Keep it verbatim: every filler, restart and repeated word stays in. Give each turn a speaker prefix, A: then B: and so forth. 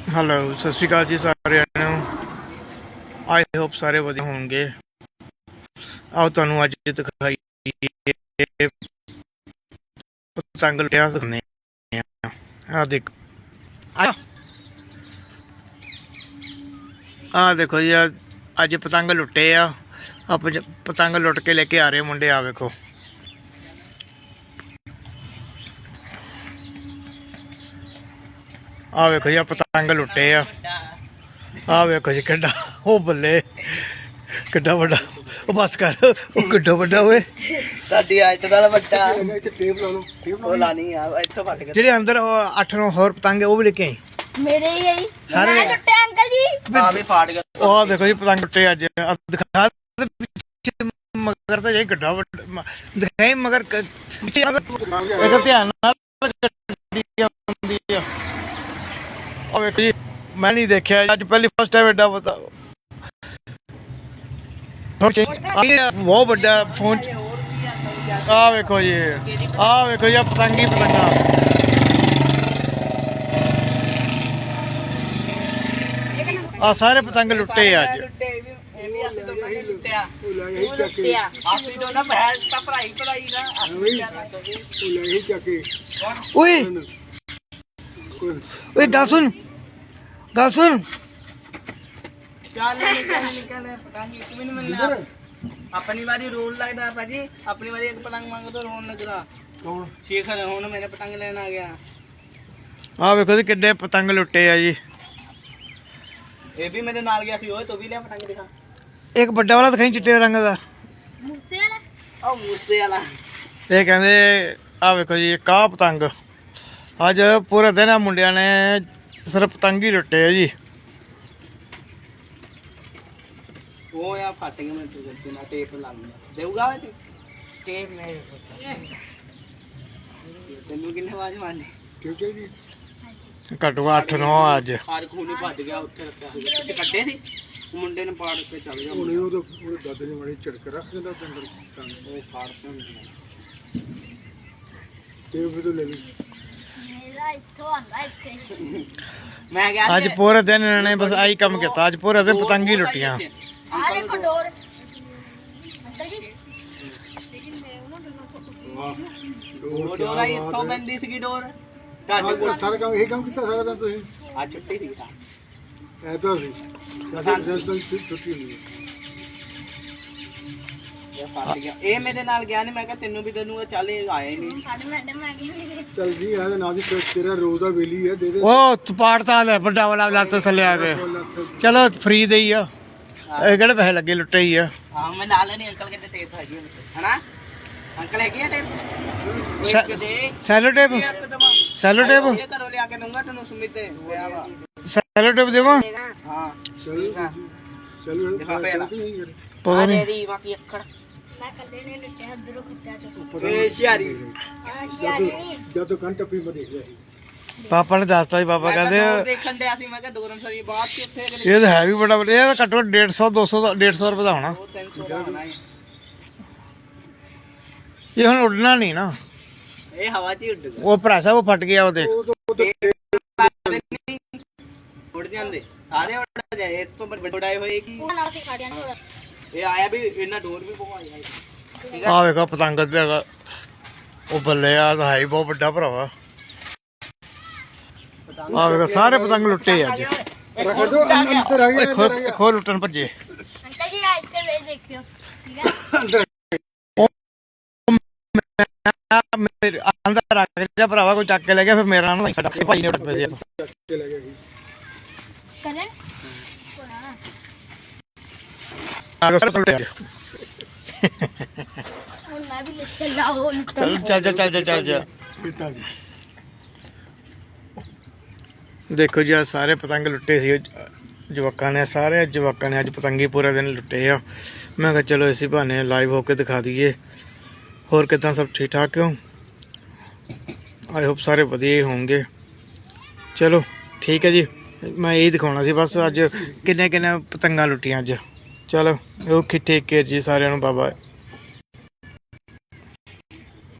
A: Hello सत श्री अकाल जी सारिਆਂ ਨੂੰ। आई होप सारे वधिया होंगे। आओ तुहानू अज दिखाइए पतंग लुटिया दिखाने आ देख आ देखो जी अज पतंग लुटे आ आप पतंग लुट के लेके आ रहे मुंडे। आ देखो आ वेखो जी पतंग लुटे आ आ वेखो जी किड्डा ओ बल्ले किड्डा वड्डा ओ बस कर ओ किड्डा वड्डा ओए
B: ਤੁਹਾਡੀ ਅੱਜ ਨਾਲ ਵੱਡਾ ਟੇਪ ਲਾ ਲਓ ਟੇਪ ਲਾ ਲਾਣੀ ਆ ਇੱਥੋਂ ਫਟ ਗਿਆ
A: ਜਿਹੜੇ ਅੰਦਰ ਅੱਠ ਨੌ ਹੋਰ ਪਤੰਗ ਉਹ ਵੀ ਲੈ ਕੇ ਆਈ
C: मेरे ही गई
A: सारे
C: मैं लुटे अंकल जी
B: ਆ ਵੀ ਫਾਟ ਗਿਆ
A: ਉਹ ਦੇਖੋ ਜੀ ਪਤੰਗ ਟੁੱਟੇ ਅੱਜ ਆਹ ਦਿਖਾ ਦੇ ਪਿੱਛੇ ਮਗਰ ਤਾਂ ਜਾਈ ਕਿੱਡਾ ਵੱਡਾ ਦਿਖਾਈ ਮਗਰ ਕ- ਪਿੱਛੇ ਅਗਰ ਧਿਆਨ ਨਾਲ ਗੱਡੀ ਆਉਂਦੀ ਆ ਉਹ ਵੇਖੋ ਜੀ ਮੈਂ ਨਹੀਂ ਦੇਖਿਆ ਅੱਜ ਪਹਿਲੀ ਫਸਟ ਟਾਈਮ ਐਡਾ ਪਤਾ ਬਹੁਤ ਵੱਡਾ ਫੋਨ ਆ ਵੇਖੋ ਜੀ ਆ ਵੇਖੋ ਜੀ ਪਤੰਗੀ ਪਤੰਗਾ ਆ ਸਾਰੇ ਪਤੰਗ ਲੁੱਟੇ ਅੱਜ
B: ਲੁੱਟੇ ਵੀ ਇਹ ਵੀ ਅਸੀਂ ਦੋਨਾਂ ਨੇ ਲੁੱਟਿਆ ਲੁੱਟਿਆ ਅਸੀਂ ਦੋਨਾਂ ਭੈਣ ਤਾਂ ਭਰਾਈ ਭਰਾਈ ਨਾ
A: ਓਏ ਓਏ ਗੱਲ ਸੁਣ ਗੱਲ ਸੁਣ
B: ਚੱਲ ਨਿਕਲ ਨਿਕਲ ਪਤੰਗ ਇੱਕ ਵੀ ਨਹੀਂ ਮਿਲਣਾ ਆਪਣੀ ਵਾਰੀ ਰੋਲ ਲੱਗਦਾ ਭਾਜੀ ਆਪਣੀ ਵਾਰੀ ਇੱਕ ਪਤੰਗ ਮੰਗੋ ਤਾਂ ਰੋਣ ਲੱਗਦਾ ਕੌਣ ਸ਼ੇਖਰ ਹੁਣ ਮੈਨੇ ਪਤੰਗ ਲੈਣ ਆ ਗਿਆ
A: ਆ ਵੇਖੋ ਜੀ ਕਿੱਡੇ ਪਤੰਗ ਲੁੱਟੇ ਆ ਜੀ
B: ਇਹ ਵੀ ਮੇਰੇ ਨਾਲ ਗਿਆ ਸੀ ਓਏ ਤੂੰ ਵੀ ਲਿਆ ਪਤੰਗ ਦਿਖਾ
A: ਇੱਕ ਵੱਡਾ ਵਾਲਾ ਦਿਖਾਈ ਚਿੱਟੇ ਰੰਗ ਦਾ
C: मुझसे वाला
B: ਉਹ ਮੂਸੇ ਵਾਲਾ
A: ਇਹ ਕਹਿੰਦੇ ਆ ਵੇਖੋ ਜੀ ਕਾਹ ਪਤੰਗ ਅੱਜ ਪੂਰੇ ਦਿਨ ਆ ਮੁੰਡਿਆਂ ਨੇ ਸਿਰਫ ਪਤੰਗ ਹੀ ਲੁੱਟੇ ਆ ਜੀ
B: ਉਹ ਆ ਫਟ ਗਿਆ ਮੈਂ ਤੇ ਨਾ ਟੇਪ ਲਾ ਲਿਆ ਦੇਊਗਾ ਵੇ ਟੇਪ ਮੇਰੇ ਤੈਨੂੰ ਕਿੰਨੇ ਆਵਾਜ਼ ਮਾਰਨੀ ਕਿਉਂ ਜੀ
A: ਘੱਟੋ ਅੱਠ ਨੌ ਅੱਜ
B: ਆਰ ਖੂਨੀ ਭੱਜ ਗਿਆ ਉੱਥੇ ਰੱਖਿਆ ਸੀ ਕਿੱਥੇ ਕੱਢੇ ਸੀ ਮੁੰਡੇ ਨੇ ਪਾੜ ਕੇ ਚੱਲ ਗਿਆ
D: ਉਹਨੇ ਉਹ ਉਹ ਦਾਦੇ ਨੇ ਮਾੜੀ ਝੜਕ ਰੱਖ ਦਿੰਦਾ ਉਹਦੇ ਅੰਦਰ
B: ਉਹ ਫਾੜਦੇ ਹੁੰਦੇ
D: ਤੇ ਵੀ ਤੋਂ ਲੈ ਲਈ
C: मेरा इतो आंदा इथे
B: ਮੈਂ ਗਿਆ
A: ਅੱਜ ਪੂਰੇ ਦਿਨ ਇਹਨਾਂ ਨੇ ਬਸ ਆਹੀ ਕੰਮ ਕੀਤਾ ਅੱਜ ਪੂਰੇ ਦਿਨ ਪਤੰਗ ਹੀ ਲੁੱਟੀਆਂ
C: आ देखो डोर अंकल जी
D: ਵਾਹ
B: ਉਹ ਡੋਰ ਆਈ ਇੱਥੋਂ ਬੰਦੀ ਸੀਗੀ ਡੋਰ ਤੁਹਾਡੇ
D: ਆਹ
B: ਕੋਲ
D: ਸਾਰਾ ਕੰਮ ਇਹ ਕੰਮ ਕੀਤਾ ਸਾਰਾ ਦਿਨ ਤੁਸੀਂ
B: ਆ ਛੁੱਟੀ ਸੀ
D: ਐਤਵਾਰ ਸੀ ਅਸੀਂ ਰਿਜ਼ਲਟ ਛੁੱਟੀ ਹੁੰਦੀ ਹੈ
B: ਇਹ ਫਸ ਗਿਆ ਇਹ ਮੇਰੇ ਨਾਲ ਗਿਆ ਨਹੀਂ ਮੈਂ ਕਿਹਾ ਤੈਨੂੰ ਵੀ ਤੈਨੂੰ ਚੱਲ ਇਹ ਆਇਆ ਹੀ ਨਹੀਂ
C: साढ़े मैडम आ गए
D: ਚੱਲ ਜੀ ਇਹਦੇ ਨਾਲ ਜੀ ਤੇਰਾ ਰੋਜ਼ ਦਾ ਵੇਲੀ ਹੈ ਦੇ ਦੇ
A: ਉਹ ਤਪਾੜਤਾ ਲੈ ਵੱਡਾ ਵਾਲਾ ਲੱਤ ਥੱਲੇ ਆ ਕੇ ਚਲੋ ਫ੍ਰੀ ਦੇ ਹੀ ਆ ਇਹ ਕਿਹੜੇ ਪੈਸੇ ਲੱਗੇ ਲੁੱਟੇ ਹੀ ਆ
B: ਹਾਂ ਮੈਂ ਨਾਲ ਨਹੀਂ ਅੰਕਲ ਕਹਿੰਦੇ ਟੇਪ ਹੈਗੀ ਹਨਾ ਅੰਕਲ ਹੈਗੀ ਆ ਟੇਪ
A: ਸੈ-
B: ਇੱਕ ਦੇ
A: ਸੈਲੋ ਟੇਪ
B: ਇੱਕ ਦਵਾ
A: ਸੈਲੋ ਟੇਪ
B: ਇਹ ਘਰੋਂ ਲਿਆ ਕੇ ਦਊਂਗਾ ਤੈਨੂੰ ਸੁਮਿਤ ਤੇ ਗਿਆ ਵਾ
A: ਸੈਲੋ ਟੇਪ ਦੇਵਾਂ
B: ਹਾਂ
D: ਚਲ ਚਲ
B: ਦਿਖਾ ਪਹਿਲਾਂ।
A: ਪਤਾ ਨਹੀਂ
C: मैं कल ने लुटे उधर खत्ता जो
B: ਇਹ ਸ਼ਿਆਰੀ
D: ਜਦ ਤੋਂ ਕੰਨ ਟੱਪੀ ਮੈਂ ਦੇਖ ਲਿਆ ਸੀ
A: ਪਾਪਾ ਨੇ ਦੱਸਤਾ ਜੀ ਪਾਪਾ
B: ਮੈਂ
A: ਕਹਿੰਦੇ
B: ਕਿਹਾ ਡੋਰ ਦੇਖਣ ਡਿਆ ਸੀ ਮੈਂ ਕਿਹਾ ਡੋਰਨ ਸਰੀ ਬਾਅਦ ਚ ਉੱਥੇ ਕਿਤੇ
A: ਇਹ ਤਾਂ ਹੈ ਵੀ ਬੜਾ ਵੱਡਾ ਇਹ ਤਾਂ ਘੱਟੋ ਡੇਢ ਸੌ ਦੋ ਸੌ ਦਾ ਡੇਢ ਸੌ ਰੁਪਏ ਦਾ ਹੋਣਾ
B: ਉਹ ਤਿੰਨ ਸੌ ਦਾ ਹੋਣਾ ਹੈ
A: ਇਹ ਹੁਣ ਉੱਡਣਾ ਨਹੀਂ ਨਾ
B: ਇਹ ਹਵਾ 'ਚ ਹੀ ਉੱਡ ਗਿਆ
A: ਉਹ ਭਰਾ ਸਾਹਿਬ ਉਹ ਫਟ ਗਿਆ ਉਹ ਦੇਖ
B: ਉੱਡ ਜਾਂਦੇ ਸਾਰੇ ਉੱਡ ਜਾਏ ਇਸ ਤੋਂ ਵੱਡੇ ਉਡਾਏ ਹੋਏ ਕੀ
C: वो ना सिखा दिया ना
B: ਇਹ ਆਇਆ ਵੀ ਇਹਨਾਂ ਡੋਰ ਵੀ ਪਵਾਇਆ ਠੀਕ ਹੈ
A: ਆ ਵੇਖੋ ਪਤੰਗ ਤੇ ਹੈਗਾ ਉਹ ਬੱਲੇ ਆ ਤਾਂ ਹੈ ਹੀ ਬਹੁਤ ਵੱਡਾ ਭਰਾਵਾ ਆ ਵੇਖੋ ਸਾਰੇ ਪਤੰਗ ਲੁੱਟੇ ਅੱਜ
D: ਰੱਖ ਦੋ ਅੰਦਰ ਆ ਗਿਆ
A: ਖੋ ਖੋ ਲੁੱਟਣ ਭੱਜੇ
C: अंकल जी आज से वे देखियो ठीक है
A: ਮੇਰੇ ਅੰਦਰ ਰੱਖ ਜਾ ਭਰਾਵਾ ਕੋਈ ਚੱਕ ਕੇ ਲੈ ਗਿਆ ਫਿਰ ਮੇਰਾ ਨਾਲ ਫਟਾ ਭਾਈ ਨੇ ਉੱਡ ਪਏ ਸੀ
D: ਚਲੇ ਗਿਆ ਸੀ
C: करें
A: ਆ ਕੇ ਸਾਰੇ ਲੁੱਟੇ
C: और मैं भी लेके लाओ
A: ਚੱਲ ਚੱਲ ਚੱਲ ਚੱਲ ਚੱਲ ਚੱਲ
D: ਪੀਤਾ ਜੀ
A: ਦੇਖੋ ਜੀ ਆਹ ਸਾਰੇ ਪਤੰਗ ਲੁੱਟੇ ਸੀ ਜਵਾਕਾਂ ਨੇ ਸਾਰੇ ਜਵਾਕਾਂ ਨੇ ਅੱਜ ਪਤੰਗੀ ਪੂਰਾ ਦਿਨ ਲੁੱਟੇ ਆ ਮੈਂ ਕਿਹਾ ਚਲੋ ਇਸੇ ਬਹਾਨੇ ਲਾਈਵ ਹੋ ਕੇ ਦਿਖਾ ਦਈਏ ਹੋਰ ਕਿਦਾਂ ਸਭ ਠੀਕ ਠਾਕ ਕਿਉਂ ਆਈ ਹੋਪ ਸਾਰੇ ਵਧੀਆ ਹੀ ਹੋਣਗੇ ਚਲੋ ਠੀਕ ਹੈ ਜੀ ਮੈਂ ਇਹ ਦਿਖਾਉਣਾ ਸੀ ਬਸ ਅੱਜ ਕਿੰਨੇ ਕਿੰਨੇ ਪਤੰਗਾਂ ਲੁੱਟੀਆਂ ਅੱਜ ਚਲੋ ਓਕੇ ਟੇਕ ਕੇਅਰ ਜੀ ਸਾਰਿਆਂ ਨੂੰ ਬਾਏ ਬਾਏ।